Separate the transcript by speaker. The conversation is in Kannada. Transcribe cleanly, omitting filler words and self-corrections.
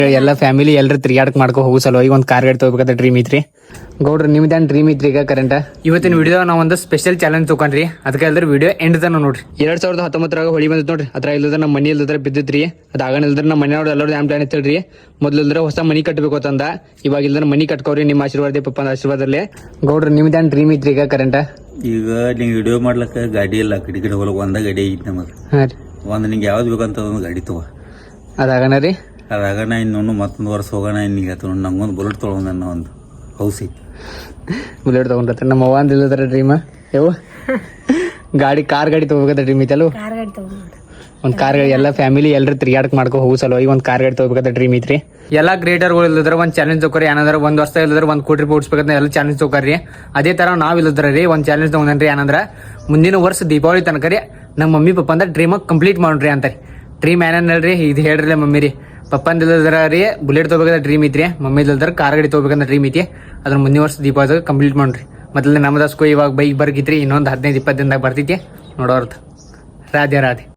Speaker 1: ಎಲ್ಲ ಫ್ಯಾಮಿಲಿ ಎಲ್ಲರೂ ತಿರ್ಗಾಡಕ್ ಮಾಡ್ಕೊ ಹೋಗೋ ಸಲುವಾಗಿ ಒಂದು ಕಾರ್ ಗಾಡಿ ತಗೋಬೇಕಂತ ಡ್ರೀಮ್ ಐತ್ರಿ. ಗೌಡ್ರ ನಿಮ್ದೇನು ಡ್ರೀಮ್ ಐತ್ರಿ ಈಗ ಕರೆಂಟ್? ಇವತ್ತಿನ ವಿಡಿಯೋ ನಾವು ಒಂದು ಸ್ಪೆಷಲ್ ಚಾಲೆಂಜ್ ತಗೊಂಡ್ರಿ. ಅದಕ್ಕೆ ಎಲ್ಲರೂ ವಿಡಿಯೋ ಎಂಡ್ ತನ ನೋಡ್ರಿ. 2019 ಹೊಳಿ ಬಂದ್ ನೋಡ್ರಿ. ಅದ್ರ ಇಲ್ಲದ್ರ ನಮ್ಮ ಮನಿ ಇಲ್ಲದ್ರ ಬಿದ್ದಿತ್ರಿ. ಅದಾಗಣ ಇಲ್ದ್ರ ನಮ್ಮ ಮನೆಯವ್ರು ಎಲ್ಲರೂ ಏನ್ ಪ್ಲಾನ್ ಐತಲ್ರಿ, ಮೊದ್ಲು ಇಲ್ದ್ರ ಹೊಸ ಮನಿ ಕಟ್ಟಬೇಕು ಅಂತಂದ. ಇವಾಗ ಇಲ್ದ್ರ ಮನಿ ಕಟ್ಕೋರಿ ನಿಮ್ಮ ಆಶೀರ್ವಾದ ಪಪ್ಪನ ಆಶೀರ್ವಾದದಲ್ಲಿ. ಗೌಡ್ರ ನಿಮ್ದೇನು ಡ್ರೀಮ್ ಐತ್ರಿ ಈಗ ಕರೆಂಟ್?
Speaker 2: ಈಗ ನೀವು ವಿಡಿಯೋ ಮಾಡ್ಲಕ್ಕ ಗಾಡಿ ಇಲ್ಲ, ಕಡೆ ಹೋಗ್ಲಕ್ಕ ಒಂದ ಗಾಡಿ ಐತಿ ನಮಗೆ.
Speaker 1: ಹಾಂ ರೀ.
Speaker 2: ಒಂದು ನಿಂಗೆ ಯಾವ್ದು ಬೇಕಂತ ಒಂದು ಗಾಡಿ ತಗೋ.
Speaker 1: ಅದಾಗಣ ರೀ.
Speaker 2: ಅದಾಗಣ ಇನ್ನೊಂದು ಮತ್ತೊಂದು ವರ್ಷ ಹೋಗೋಣ. ಇನ್ನೀಗ ನಂಗೊಂದು ಬುಲೆಟ್ ತೊಗೊಂಡು ನನ್ನ ಒಂದು ಹೌಸ್ ಐತಿ.
Speaker 1: ಬುಲೆಟ್ ತಗೊಂಡ್ರೆ ನಮ್ಮ ಅವ್ವ ಅಂದ ಇಲ್ಲದ್ರ ಡ್ರೀಮ್ ಯಾವ ಗಾಡಿ ಕಾರ್ ಗಾಡಿ ತಗೋಬೇಕಂತ ಡ್ರೀಮ್ ಐತಲ್ಲ. ಒಂದು ಕಾರ್ ಗಾಡಿ ಎಲ್ಲ ಫ್ಯಾಮಿಲಿ ಎಲ್ಲರೂ ತಿರ್ಗಾಡಕ್ ಮಾಡ್ಕೊ ಹೋಗೋ ಸಲುವಾಗಿ ಒಂದು ಕಾರ್ ಗಾಡಿ ತಗೋಬೇಕಂತ ಡ್ರೀಮ್ ಐತ್ರಿ. ಎಲ್ಲ ಕ್ರಿಯೇಟರ್ಗಳು ಇಲ್ಲದ್ರ ಒಂದು ಚಾಲೆಂಜ್ ತಗೋರಿ. ಏನಂದ್ರೆ ಒಂದು ವರ್ಷ ಇಲ್ಲದ್ರ 1 ಕೋಟಿ ರೂಪಾಯಿ ಉಡ್ಸ್ಬೇಕಂತ ಎಲ್ಲ ಚಾಲೆಂಜ್ ತಗೋರಿ. ಅದೇ ತರ ನಾವ್ ಇಲ್ಲದ್ರ ರೀ ಒಂದು ಚಾಲೆಂಜ್ ತಗೊಂಡ್ರಿ. ಏನಂದ್ರ ಮುಂದಿನ ವರ್ಷ ದೀಪಾವಳಿ ತನಕ ರೀ ನಮ್ಮ ಮಮ್ಮಿ ಪಪ್ಪ ಅಂದ್ರೆ ಡ್ರೀಮ್ ಕಂಪ್ಲೀಟ್ ಮಾಡ್ರಿ ಅಂತಾರೆ. ಡ್ರೀಮ್ ಏನೇನಲ್ರಿ ಇದು ಹೇಳ್ರಿ ಮಮ್ಮಿ ರೀ. ಪಪ್ಪಂದ ಇಲ್ಲದ್ರ ರೀ ಬುಲೆಟ್ ತಗೋಬೇಕಂತ ಡ್ರೀಮ್ ಐತ್ರಿ. ಮಮ್ಮಿ ಇಲ್ಲದ್ರ ಕಾರ್ ಗಾಡಿ ತಗೋಬೇಕಂತ ಡ್ರೀಮ್ ಐತಿ. ಅದ್ರ ಮುಂದಿನ ವರ್ಷ ದೀಪಾವಳಿ ಕಂಪ್ಲೀಟ್ ಮಾಡ್ರಿ. ಮೊದಲೇ ನಮ್ಮದಸ್ಕೋ ಇವಾಗ ಬೈಕ್ ಬರ್ಗಿತ್ರಿ. ಇನ್ನೊಂದು 15-20 ದಿನದಾಗ ಬರ್ತೈತಿ ನೋಡೋರ್ದು. ರಾಧೆ ರಾಧೆ.